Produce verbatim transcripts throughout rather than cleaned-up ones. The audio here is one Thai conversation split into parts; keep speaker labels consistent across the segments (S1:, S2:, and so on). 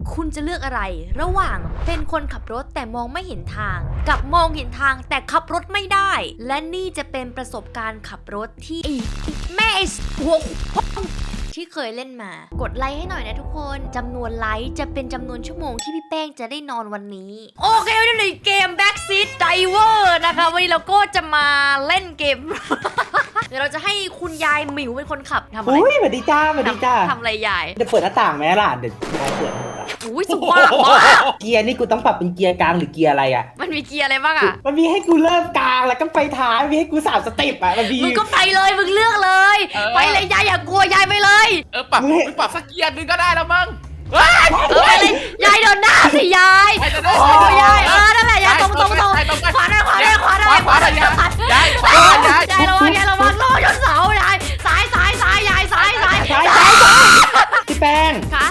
S1: คุณจะเลือกอะไรระหว่างเป็นคนขับรถแต่มองไม่เห็นทางกับมองเห็นทางแต่ขับรถไม่ได้และนี่จะเป็นประสบการณ์ขับรถที่แม่หัวที่เคยเล่นมากดไลค์ให้หน่อยนะทุกคนจำนวนไลค์จะเป็นจำนวนชั่วโมงที่พี่แป้งจะได้นอนวันนี้โอเควันนี้ในเกม Backseat Driver นะคะวันนี้เราก็จะมาเล่นเกม เดี๋ยวเราจะให้คุณยายหมิวเป็นคนขับทำอะไร
S2: อุ้ยสวัสดีจ้าสวัสดีจ้า
S1: ทำอะไรยาย
S2: จะเปิดหน้าต่างไหมล่ะเดี๋ยวยายเปิด
S1: อุ้ยสุดว่างมาก
S2: เกียร์นี่กูต้องปรับเป็นเกียร์กลางหรือเกียร์อะไรอ่ะ
S1: มันมีเกียร์อะไรบ้างอ่ะ
S2: มันมีให้กูเริ่มกลางแล้วก็ไปท้ายมีให้กูสามสเต็ปอ่ะมันมี
S1: มึงก็ไปเลยมึงเลือกเลย ไปเลยยายอย่ากลัวยายไปเลย
S3: เออปรับปรับสักเกียร์นึงก็ได้แล้วมั้ง
S1: เออไปเลยยายเดินหน้าสิยายโอ้ยายเออนั่นแหละยายตรงตรงตรงขวาได้ขวาได้ขวาได้ขวาได้ยายยายยายระวังยายระวังโลยนเสายายซ้ายซ้ายซ้ายยายซ้ายซ้ายซ้ายซ้าย
S2: พี่แป้ง
S1: คะ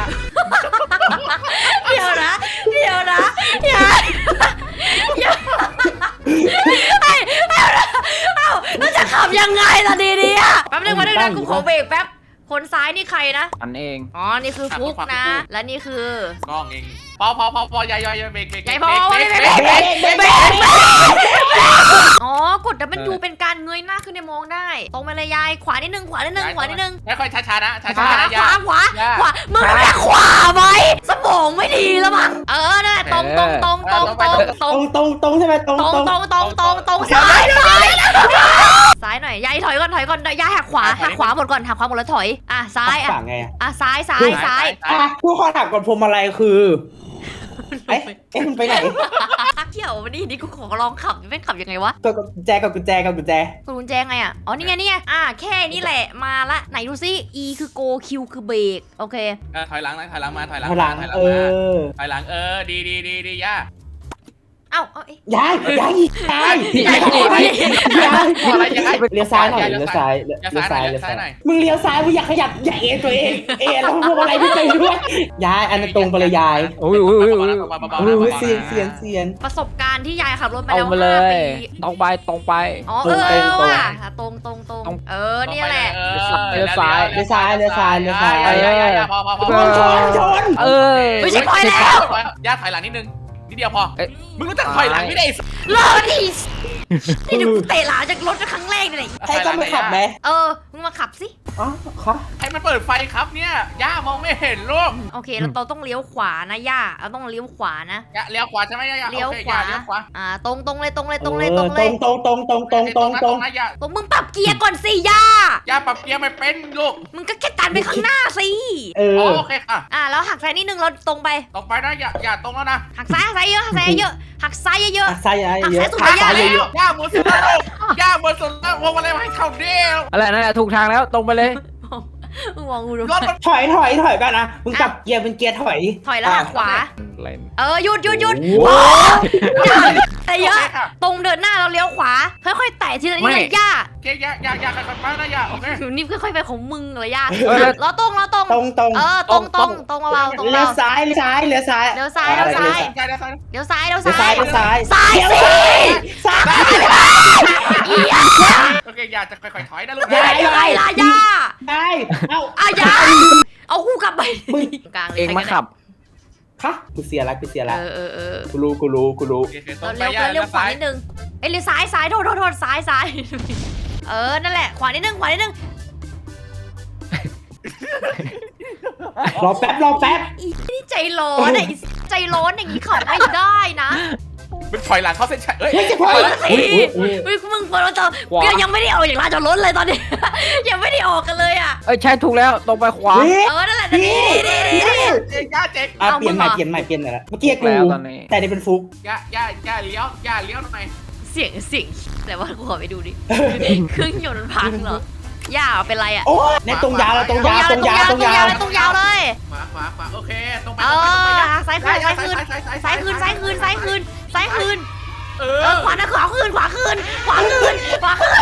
S1: เดี๋ยวนะเดี๋ยวนะยายยายไอ้เอ้าเอ้าแล้วจะขับยังไงล่ะดีดีอ่ะแป๊บนึงมาด้วยนะกูขอเบรกแป๊บคนซ้ายนี่ใครนะ
S4: อันเอง
S1: อ๋อ นี่คือฟุกนะ และนี่คือก
S3: ล้องเองพอพอพอพอยายยายเบรกเบรก
S1: ยายพอไม่ไม่ไม่ไม่ไม่อ๋อกดดับเบิลยูเป็นการเงยหน้าขึ้นในมองได้ ตรงไปเลยยาย ขวานิดนึง ขวานิดนึง ขวานิดนึง
S3: ค่อยๆช้าๆนะช้า
S1: ขวา
S3: ๆนะ
S1: ขวา ขวา ขวา มึงแค่ขวาไหมสมองไม่ดีแล้วมั้ง เออนั่นแหละตรงตรงตรงตรงตรงต
S2: ต
S1: ร
S2: รง งตรงตรงใช่ไหมตรง
S1: ตรง
S2: ตรง
S1: ตรงตรงตรงตรงซ้ายซ้ายซ้ายหน่อย ยายถอยก่อน ถอยก่อน ยายหักขวา หักขวาหมดก่อน หักขวาหมดแล้วถอย อ่ะ ซ้าย อ่ะ
S2: ฝั่งไงอ่ะ
S1: อ่ะ ซ้าย ซ้าย ซ้าย
S2: อ่ะผู้ขอถามก่อนพวงมาลัยคือเอ๊ะเอ๊ะมันไปไหน
S1: เที่ยววันนี้นี่กูขอลองขับไม่ขับยังไงวะ
S2: กดกุญแจกับกุญแจกับกุญแจ
S1: กดกุญแจไงอ่ะ อ๋อ นี่ไง นี่ไง อ่า แค่นี้แหละ มาละ ไหนดูซิ E คือ go Q คือเบรก โอเค
S3: เออถอยหลังนะถอยหลังมาถอยหลัง
S2: ข้างหลัง
S3: ถอยหลั
S2: เอ
S3: มา
S2: อ
S3: ถอยหลังเออดีดีดีดีย่า
S1: เอ้า เอ้าเอ๊ะ
S2: ยายยายยาย
S1: ยายขออะไร
S2: ยาย
S3: อะไรยังไง
S2: เลี้ยวซ้ายหน่อยเลี้ยวซ้ายเลี้ยวซ้ายเลี้ยวซ้ายมึงเลี้ยวซ้ายมึงอยากขยับอย่าเอ็นตัวเองเอ็นแล้วพวงมาลัยไม่ไปด้วยยายอันนั้นตรงไปเลยยาย
S4: อุ้ยอุ้ยอุ้ยอุ้ย
S2: อุ้ยเสียนเสียนเสียน
S1: ประสบการณ์ที่ยายขับรถมา
S4: ตร
S1: แล้
S4: ง
S1: ว
S4: ไปเล
S1: ห้าย ปี
S4: ตรงไปตรงไป
S1: อ๋อ เออเออว่ะตรงตรงตรงเออ เนี่ยแหละ
S2: เลี้ยวซ้ายเลี้ยวซ้ายเลี้ยวซ้าย
S3: พอพอพอ
S2: ชนชน
S4: เออ
S1: ไม่ใช่พอยแล้ว
S3: ย่าถอยหลังนิดนึงนิดเดียวพอมึงรู้จักถอยหลังไม่ได้
S1: รอดินี่ดูเตะหลาจากรถครั้งแรกเลย
S2: ให้ก็มาขับไหม
S1: เออ มึงมาขับสิ
S2: อ๋อค่ะ
S3: ให้มันเปิดไฟครับเนี่ยย่ามองไม่เห็นลูก
S1: โอเค เราต้องเลี้ยวขวานะย่าเราต้องเลี้ยวขวานะ
S3: ย่าเลี้ยวขวาใช่ไหมย่า
S1: เลี้ยวขวา
S3: เลี้ยวขวา
S1: อ่า ตรงตรงเลยตรงเลยตรงเลยตรง
S2: ต
S1: เล
S2: ร
S1: ย
S2: งตรงตรงตรงตรงตรงตรง
S3: นะย่า
S1: ตรงมึงปรับเกียร์ก่อนสิย่า
S3: ย่าปรับเกียร์ไม่เป็นลูก
S1: มึงก็แค่ตันไปข้างหน้าสิ
S2: เออ
S3: โอเคค่ะ
S1: อ่าแล้วหักซ้ายนิดนึงเราตรงไป
S3: ตรงไปนะอย่าอย่าตรงแล้วนะ
S1: หักซ้ายหักซ้ายเยอะหักซ้ายเยอะหักซ้ายเยอะ
S2: ซ้ายเยอะ
S1: หักซ้ายสุด
S2: ซ้าย
S1: ย
S2: เยอะ
S3: ย่าหมดสุดแล้วย่าหมดสุดแล้วพวงมาลัยให้เขาเดียว
S4: อะไรนั่นแหละถูกทางแล้วตรงไปเลย
S1: มึงมองกูดู
S3: รถมัน
S2: ถอยถอยถอยกันนะมึงกลับเกียร์เป็นเกียร์ถอย
S1: ถอยแล้วหักขวา
S4: เล่น
S1: เออหยุดหยุดหยุด
S2: โอ้
S1: อะไรเยอะตรงเดินหน้าเราเลี้ยวขวาค่อยๆแตะทีละนิดเลยย่า
S3: โอเคย่าย่าย่าค่อยๆไปนะย่าโอเค
S1: อยู่นี่ค่อยๆไปของมึงเลยย่า
S4: เออ
S1: เราตรงเราตรง
S2: ตรงตรง
S1: เออตรงตรงตรงเราตรง
S2: เลี้ย
S1: เรา
S2: วซ้ายเลี้ยวซ้ายเลี้ยวซ้าย
S1: เลี้ยวซ้ายเลี้ยวซ้าย
S3: ใช่แล้วใช่
S1: เลี้ยวซ้ายเลี้ยว
S2: เลี้ยว
S1: ซ้า
S2: ซ้าย
S1: ย
S2: เลี้ยวซ้าย
S1: ซ้ายสิ
S2: ซ้าย
S3: โอเคย่าจะค่อยๆถอยนะลูก
S1: อย่าอย่าอย่าอย่า
S2: ได้เอ้า
S1: อ่ะอย่าเอาคู่กลับไปกลางเลย
S4: เองมาขับ
S2: คะกูเสียละกูเสีย
S1: เอ
S2: ละ
S1: อเออเออ
S2: กูรู้กูรู้กูรู้
S1: เราเลี้ยวเลี้ยวขวานิดนึงเอ้ยเลี้ยวซ้ายซ้ายโทษโทษโทษซ้ายซ้ายเออนั่นแหละขวานิดนึงขวานิดนึง
S2: รอแป๊บรอแป๊บ
S1: อีนี่ใจร้อนอ่ะใจร้อนอย่างนี้ขับไม่ได้นะ
S3: มึงถอยหลังเข้าเส้นชัยเอ้ย
S2: ไม่จะพอ
S1: เฮ้ยเฮ้ยมึงพอเราจะยังไม่ได้ออกจากร้านจอดรถเลยตอนนี้ ยังไม่ได้ออกกันเลยอ่ะ
S4: เอ้ยใช่ถูกแล้วตรงไปขวา
S1: เออนั่นแหละนี่นี่นี่นี่
S3: เจ๊ย่าเจ๊
S2: อ่ะเปลี่ยนใหม่เปลี่ยนใหม่เปลี่ยนใหม่ละเมื่อกี้กู
S4: แล้วตอนนี้
S2: แต่นี่เป็นฟุก
S3: ย่าย่าย่าเลี้ยวย่าเลี้ยวหน่อย
S1: เสียงเสียงแต่ว่ากูขอไปดูดิเครื่องยนต์มันพังเหรอย่าเป็นไรอ่ะ
S2: โอ้ในตรงยาวเราตรงยาวตรงยาวตรงยาว
S1: ตรงยาวเลย
S3: ขวาขวาขวาโอเคตรงไป
S1: เอ
S3: ตรงไปตรงไป
S1: อ
S3: ย่า
S1: ซ้ายคืนซ้ายคืนซ้ายคืนซ้ายคืนซ้ายคืนซ้ายคืน
S3: เอ
S1: เอ
S3: อ
S1: อขวานะขวาคืนขวาคืนขวาคืนขวาคืน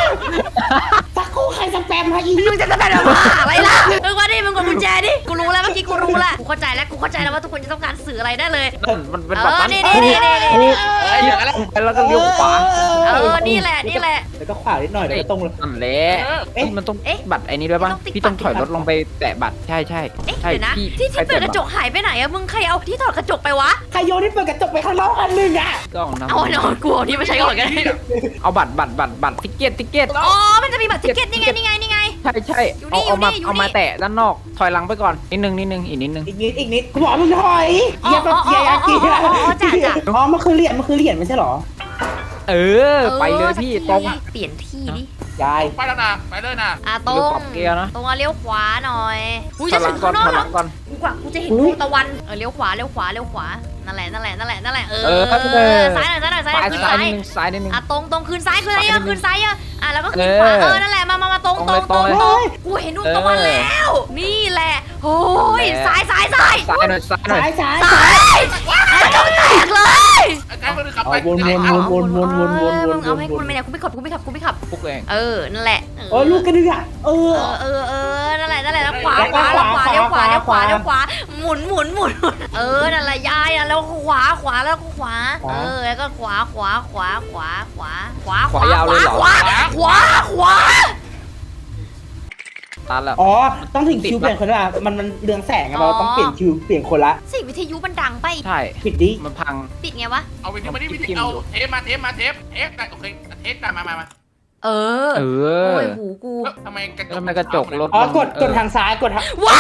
S2: สักครู่ใครสแปมมาอีก
S1: มึงจะจะเป็นอะไรล่ะอะไรล่ะมึงมาดิมึงกดกุญแจดิกูรู้แล้วเมื่อกี้กูรู้ละกูเข้าใจแล้วกูเข้าใจแล้วว่าทุกคนจะต้องการสื่ออะไรได้เลย
S4: มันมันเป็น
S1: เอ
S4: แบบ
S1: อ
S4: นั้น
S1: นี่นี่นี่นี่นี่
S3: เอ้ยอย่างนั้นแหละ
S4: ไปแล้วก็เลี้ยวขวา
S1: เออนี่แหละนี่แหละ
S2: แล้วก็ขวานิดหน่อยแล้วก็ตรงเลย
S4: นั่นแหละ
S3: เออ
S2: เอ๊ะ
S4: มันต้อง
S1: เอ๊ะ
S4: บัตรไอ้นี้ด้วยป่ะ
S1: ต้องติ๊ก
S4: พี่ต้อง
S1: บัตร
S4: ถอยรถลงไปแตะบัตรใช่ใช่
S1: เอ๊ะ
S4: ใช่
S1: เดี๋ยวนะ
S4: พี่
S1: ที่ที่
S4: ใค
S1: เปิดก
S4: บั
S1: ระ
S4: ต
S1: จกหายไปไหนอะมึงใครเอาที่ถอดกระจกไปวะ
S2: ใครโยนที่เปิดกระจกไปข้างนอกอันหนึ่งอ่ะ
S4: ก็เอาน้ำ
S1: เอาเนาะกูเอาที่มาใช้ก่อนกัน
S4: เอาบัตรบัตรบัตรบัตรทิเก็ตทิเก็ต
S1: อ๋อมันจะมีบัตรทิเก็ตนี่ไงนี่ไงนี่ไง
S4: ใช่ใช่
S1: อยู่นี่
S4: เอาเอามา
S1: อยู่นี่
S4: เอามาแตะด้านนอกถอยหลังไปก่อนนิดนึงนิดนึงอีกนิดนึง
S2: อีกนิดอีกนิดกูบอกมึงถอย
S1: อ๋อ
S2: เยียบแบบเยียบกี่
S1: อ๋ออ๋ออ๋อจ้ะจ้ะ
S2: อ๋อมันคือเหรียญมันคือเหรียญไม่ใช่หรอ
S4: เออ ไปเลยพี่ตรง
S1: เปลี่ยนที่ดิ
S2: ยาย
S3: ไปแล้วนะไปเลยนะ
S1: อ่ะตร
S4: เดี๋ยวปรับ
S1: ง
S4: เกียร์นะ
S1: ตรงอ่ะเลี้ยวขวาหน่อยอุ้ย
S4: ถอ
S1: จะ
S4: ยหลั
S1: ถึ
S4: ง
S1: ง
S4: ก่อ
S1: ข้าน งนอก
S4: ถอยห
S1: แล้
S4: ลั
S1: ว
S4: งก่อน
S1: กูกว่ากูจะเห็นดวงตะวันเออเลี้ยวขวาเลี้ยวขวาเลี้ยวขวานั่นแหละนั่นแหละนั่นแหละนั่นแหละเออ
S4: เออเออ
S1: ซ้ายหน่อยซ้ายหน่อยซ้ายห
S4: ซ้า
S1: น่อย ยคืน
S4: ซ้า
S1: ซ้าย ย
S4: นิดนึงซ้ายนิดนึง
S1: อ่ะตรงตรงคืนซ้ายคืนซ้ายเยอะคืนซ้ายเยอะอ่ะแล้วก็คืน
S4: เออ
S1: ขวาเออนั่นแหละมามามาตรงตรง
S4: ต
S1: ต
S4: ร
S1: รง ง
S4: เลย
S1: ตรงกูเห็นดวงตะวัน
S4: เออ
S1: แล้ว นี่แหละโอ้ย
S4: แหละ
S1: ซ้ายซ้ายซ้าย
S4: ซ้ายหน่อยซ้ายหน่อย
S2: ซ้ายซ้าย
S1: ซ้ายกระจกแตกเลย
S3: ไอ้มันขับ
S2: เอา
S3: ไป
S2: วนวนวนวนวนวนวนวน
S1: เอาให้คุณไม่เนี่ยคุณไม่ขับคุณไม่ขับคุณไม่ขับ
S4: ปุ๊กเอง
S1: เออนั่นแหละ
S2: โอ้ลูกกระเดือกเอ
S1: เอ
S2: อ
S1: อเออเออนั่นแหละนั่นแหละแล้วขวาขวาแล้วขวาเลี้ยวขวาเลี้ยวขวาเลี้ยวขวาหมุนหมุนหมุนเออนั่นแหละยายอ่ะแล้วขวาขวาแล้วก็ขวาเออแล้วก็ขวาขวาขวาขวาขวาขวาขวาขวาขวาขวาขวา
S4: ตันแล้ว
S2: อ๋อต้องถึงคิวเปลี่ยนคนละมันมันเรืองแสงอะเราต้องเปลี่ยนคิวเปลี่ยนคนละ
S1: สิ่งวิทยุมันดังไป
S4: ใช่
S2: ปิดดิ
S4: มันพัง
S1: ปิดไงวะ
S3: เอาไปที่มาที่วิธีเอาเทปมาเทปมาเทปเทปโอเคเทปมามามา
S1: เออ
S4: เอ
S1: โอ้
S4: อ
S1: ยหูกู
S3: ทำไมกระจก
S4: ทำไมกระจกรถ
S2: อ๋อกดกดทางซ้ายกดทาง
S1: ว้าก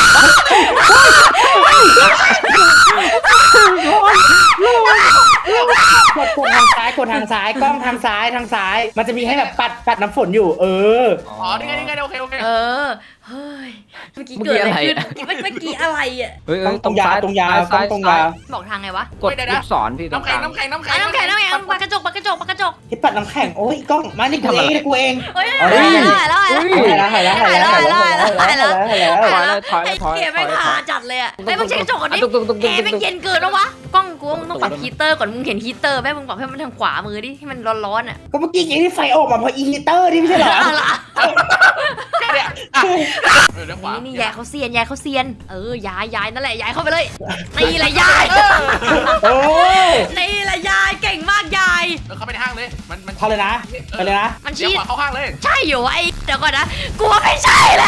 S2: ดกดทางซ้ายกดทางซ้ายกล้องทางซ้ายทางซ้าย มันจะมีให้แบบปัดปัดน้ำฝนอยู่ เออ
S3: อ๋อนี่ไงนี่ไงโอเคโอเค
S1: เออเฮ้ยเมื่อกี้เกิดอะไรขึ้นเมื่อกี้อะไรอ่ะ
S4: เฮ้ย
S2: ต้องตรงยาวตรงยาวต้องตรงยาว
S1: บอกทางไงวะ
S4: กดลูกศรพี่ตรง
S3: น้ำ
S4: ก
S3: แข็ง
S4: ลาง
S3: น้ำแข็งน้ำแข็
S1: อ่ะ
S3: ง
S1: น้ำแข็งน้ำแข็งปากกระจกปากกระจกปากกระจก
S2: ที่ปัดน้ำแข็งโอ้ยกล้องมานี่กูเองกูเอง
S1: เฮ้ย
S2: เอาได้
S1: แล้วแล้ว
S2: หายแล้วหายแล้วหายแล้วหายแล้วหายแล้วหายแล้วหายแล้ว
S4: ถอยเลยถอยเลยถอย
S1: ไอ้เกมไม่หาจัดเลยอ่ะไอ้มึงเช็คกระจกก่อนดิ
S4: ตุ๊กตุ๊กตุ๊กตุ๊ก
S1: เอ๊ะไม่เย็นเกินแล้ววะกล้องกูมึงต้องปรับฮีเตอร์ก่อนมึงเห็นฮีเตอร์ไหมมึงปรับให้มันทางขวามือดิให้มันร้อนๆอ่ะ
S2: ก็เมื่อกี้ไอ้ที่ไฟออกมาเพราะอีฮิเตอร์นี่ไม่ใช่เหรอ
S1: เอาล่ะ
S3: เนี่ยเดี๋ยวขวา
S1: นี่นี่ยายเขาเซียนยายเขาเซียนเออยายยายนั่นแหละยายเข้าไปเลยนี่แหละยาย
S2: โอ้ย
S1: นี่แหละยายเก่งมากยาย
S3: เออเข้าไปในห้างเลยมันมัน
S2: เข้าเลยนะไปเลยนะ
S1: มัน
S3: เดี๋ยว
S1: ชี้
S3: ขวาเข้าห้างเลย
S1: ใช่อยู่ไอ้เดี๋ยวก่อนนะกูว่าไม่ใช่แล้ว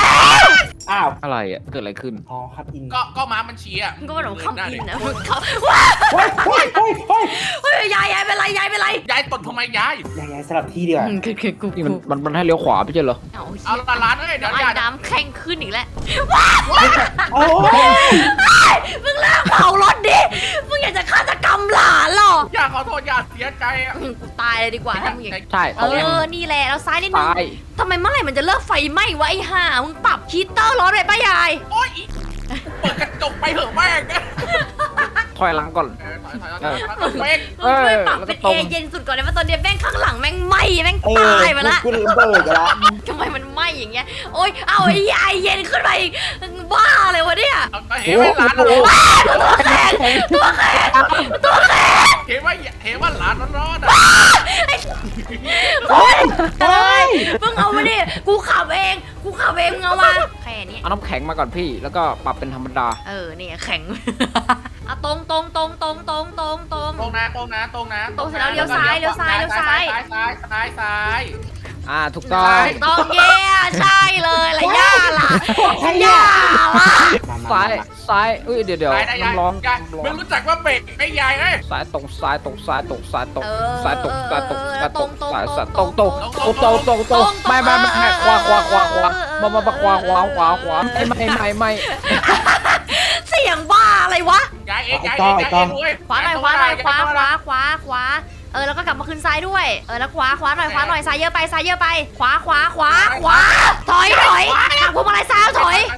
S2: อ้าว
S4: อะไรอ่ะเกิดอะไรขึ้น
S2: อ๋อครับอิน
S3: ก็ก็ม้ามันชี้อ่ะ
S1: มึงก็มาหลงเข้าอินนะมึงเขาว้า
S2: เฮ้ยเฮ้ยเฮ้ยเฮ้ย
S1: เฮ้ยยายยายเป็นไรยายเป็นไร
S3: ยายตดทำไมยาย
S2: ยายยายสลับที่ดีกว่า
S1: คือคือกู
S4: นี่มันมันมันให้เลี้ยวขวาไม่ใช่เหรอ
S1: เอา
S3: เอาละร้านเอ้ยเดี๋ยว
S1: ไอ้
S3: ยาย
S1: น้ำแข็งขึ้นอีกแล้ว
S2: โอ้ย
S1: มึงเลิกเผารถดิมึงอยากจะฆาตกรรมหลานเหรอย
S3: าขอโทษยาเสียใจอ่ะ
S1: อืมกูตายเลยดีกว่าถ้ามึงอย่าง
S4: ใช่
S1: เออนี่แหละแล้วซ้ายนิดนึง
S4: ซ้าย
S1: ทำไมเมื่อไหร่มันจะเลิกไฟไหม้วะไอ้ห่ามึงปรับฮีเตอร์ร้อนไปป้ายาย
S3: โอ๊ยเปิดกระจกไปเถอะแม่ง
S4: ถอยหลังก่อน
S3: เออถอยถอยถอยถอยเป๊ก
S1: มึงช่วยปรับ
S4: แล้วก็
S1: เป็น
S4: ตร
S1: เอง เย็นสุดก่อนเลยว่าตอนเนี้ยแม่งข้างหลังแม่งไหม้แม่ง
S2: เออ
S1: ตายไปละ
S2: กูระเบิดละ
S1: ทำไมมันไหม้อย่างเงี้ยโอ๊ยเอาไอ้ยายเย็นขึ้นไปอีกบ้าเลยวะเนี่ย
S3: เอาเห็นว่าร้านเรา
S1: ตัวแข็งตัวแข็งตัวแข็ง
S3: เห็นว่าเห็นว่าร้านร้อนๆอ่ะ
S1: โอ๊ยเลยเพิ่งเอามาดิกูขับเองกูขับเองมึงเอามาแค่นี้
S4: เอาน้ำแข็งมาก่อนพี่แล้วก็ปรับเป็นธรรมดา
S1: เออเนี่ยแข็งอะตรงตรงตรงตรงตรงตรงตรง
S3: ตรงนะตรงนะตรงนะ
S1: ตรงเสร็จแล้วเลี้ยวซ้ายเลี้ยวซ้ายเลี้ยวซ้าย
S3: ซ้ายซ้ายซ้ายซ้าย
S4: อ่าถูกต้อง
S1: ตรงเย่ใช่เลยละย่าล่ะย่าล่ะ
S4: ซ้ายซ้ายเอ้ยเดี๋ยวเดี๋ยว
S3: ซ้ายนะยาย
S4: น้ำร้อน
S3: ยาย
S4: น้ำร้อ
S3: ไม่
S4: น
S3: รู้จักว่าเบรกไม่ยายเอ้ย
S4: ซ้ายตรงซ้ายตรงซ้ายตรงซ้ายตรง
S1: เออ
S4: ซ้ายตรงซ้ายตรงซ้ายตรง
S1: ตรง
S4: ซ้าย
S1: ตรง
S4: ซ้ายต
S1: ต
S4: ร
S1: รง ง
S4: ตรงตรงตรงตรงไม่ไม่ไม่ไม่ขวาขวาขวาขวามามาขวาขวาขวาขวาไม่ไม่ไม่ไม่
S1: เสียงบ้าอะไรวะ
S3: ยายเองยายเองยายเองเว้ย
S1: ขวาหน่อยขวาหน่อยขวาขวาขวาขวาเออแล้วก็กลับมาคืนซ้ายด้วยเออแล้วขวาขวาหน่อยขวาหน่อยซ้ายเยอะไปซ้ายเยอะไปขวาขวาขวาขวาถอยถอยหักพวงมาลัยซ้ายถอย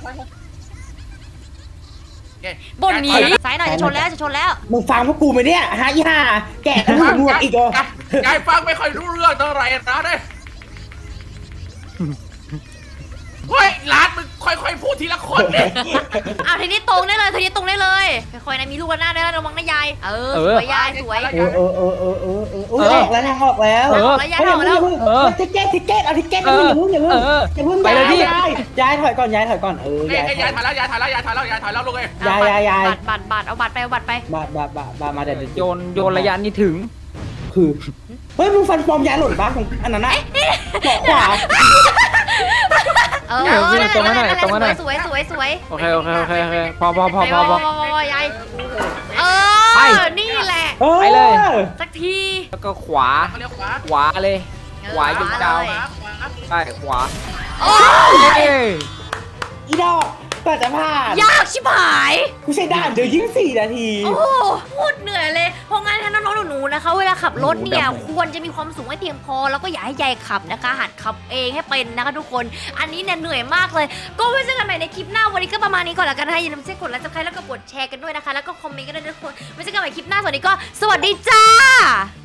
S1: บนนี้ซ้ายหน่อยจะชนแล้วจะชนแล้ว
S2: มึงฟังพวกกูไหมเนี่ยฮะยี่ห้าแกะกันหัวอีกเหรอย
S3: ายฟังไม่ค่อยรู้เรื่องเท่าไหร่นะเด้เฮ้ยร้านมึงค่อยๆพูดทีละคนเนี่ย
S1: อ้าวทีนี้ตรงได้เลยทีนี้ตรงได้เลยค่อยๆนะมีลูกระนาดด้วยนะระวังนะยายเออสวยยายสวย
S2: เออเออเออเออเออเออออกแล้วนะออกแล้ว
S4: เออ
S1: แล้วยายออกแล้ว
S2: เออทิกเก็ตทิกเก็ตเอาทิกเก็ตอย่าเพิ่งอย่าเพิ่งอย่าเพิ่งอย่าเพิ่ง
S4: ไปเลยพี่
S2: ยายยายถอยก่อนยายถอยก่อนเออ
S3: เอ้ย
S2: ยาย
S3: เอ้ยยายถ่ายแล้วยายถ่ายแล้วยายถ่ายแล้วยายถ่ายแล้วลูกเอ้ย
S2: ยายยายยาย
S1: บัตรบัตรบัตรเอาบัตรไปเอาบัตรไป
S2: บาบาบาบามาเดี๋ยว
S4: โยนโยนระยะนี้ถึง
S2: คือเฮ้ยมึงฟันปลอมยายหล่นปะอันนั้นน่ะขวา
S1: เออ
S4: เออพี่ตรงนั้นหน่อยตรงนั้นหน่อย
S1: สวยสวยสวย
S4: โอเคโอเคโอเคโอเคพอพอพอ
S1: ไป
S4: พอพอ
S1: ยายเอ
S4: ไป
S1: อนี่แหละ
S4: ไปเลย
S1: สักที
S4: แล้วก็ขวา
S3: เขาเลี้ยวขวา
S4: ขวาเลย ขวาอยู่ดาว
S3: ขวาขวา
S4: ใช่ขวา
S1: โอ้
S4: เอ้ย
S2: อีดอกก็จะผ่าน
S1: ยากชิบหาย
S2: กูใช้ด่านเดียวยิ่งสี่นาที
S1: โอ้โหพูดเหนื่อยเลย เพราะงั้นถ้าน้องๆหนูๆนะคะ เวลาขับรถเนี่ยควรจะมีความสูงให้เพียงพอ แล้วก็อย่าให้ยายขับนะคะ หัดขับเองให้เป็นนะคะทุกคน อันนี้เนี่ยเหนื่อยมากเลย ก็ไว้เจอกันใหม่ในคลิปหน้า วันนี้ก็ประมาณนี้ก่อนละกันนะคะอย่าลืมกดไลค์ซับสไครต์แล้วก็กดแชร์กันด้วยนะคะ แล้วก็คอมเมนต์กันด้วยนะทุกคนไว้เจอกันใหม่คลิปหน้าสวัสดีก็สวัสดีจ้า